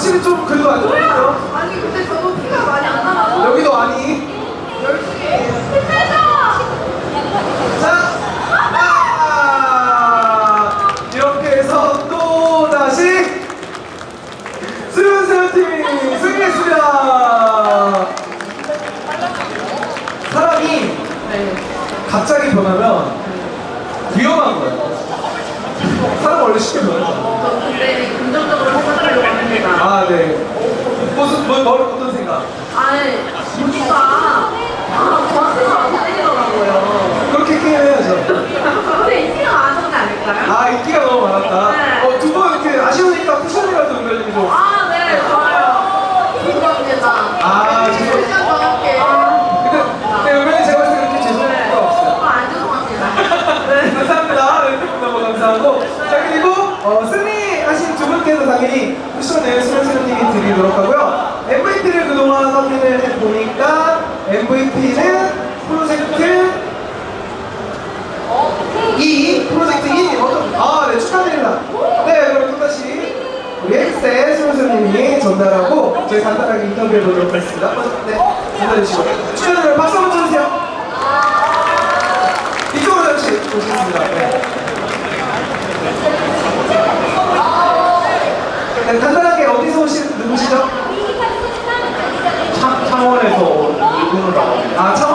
확실히 좀 그래도 안 좋네요. 아니 근데 저도 티가 많이 안 나가서 여기도 아니. 열심히 힘내자. 자, 이렇게 해서 또 다시 수련세요 팀이 승리했습니다. 사람이 네. 갑자기 변하면 위험한 거예요. 사람 원래 쉽게 변하잖아. 저 근데 긍정적으로 생각하려고 합니다. 아, 네. 무슨 어떤 생각? 아니 보니까 저한테만 안 때리더라고요. 그렇게 게임해야죠. 근데 인기가 많은 게 아닐까요? 아, 인기가 너무 많았다. 네. 두 번 이렇게 아쉬우니까 쿠션이라도 연결님이 좀. 아, 네, 좋아요. 죄송합니다. 아, 죄송- 쿠션 더 할게. 근데 은근히 제가 봤을 때 그렇게 죄송할 거 없어요. 정말 안 죄송합니다. 네, 감사합니다. 네, 너무 감사하고. 자, 그리고 승리하신 두 분께도 당연히 쿠션을 수련수련님이 드리도록 하고요. MVP를 그동안 확인을 해보니까 MVP는 프로젝트 2, 프로젝트 2. 네, 축하드립니다. 네, 그럼 또다시 우리 엑셀 수련수련님이 전달하고 저희 간단하게 인터뷰해 보도록 하겠습니다. 네, 전달해주시고. 축하드려요. 박수 한번 쳐주세요. 이쪽으로 잠시 오시겠습니다. 네. 네, 간단하게 어디서 오신 누구시죠? 창원에서 일본으로 나왔는데 아, 창원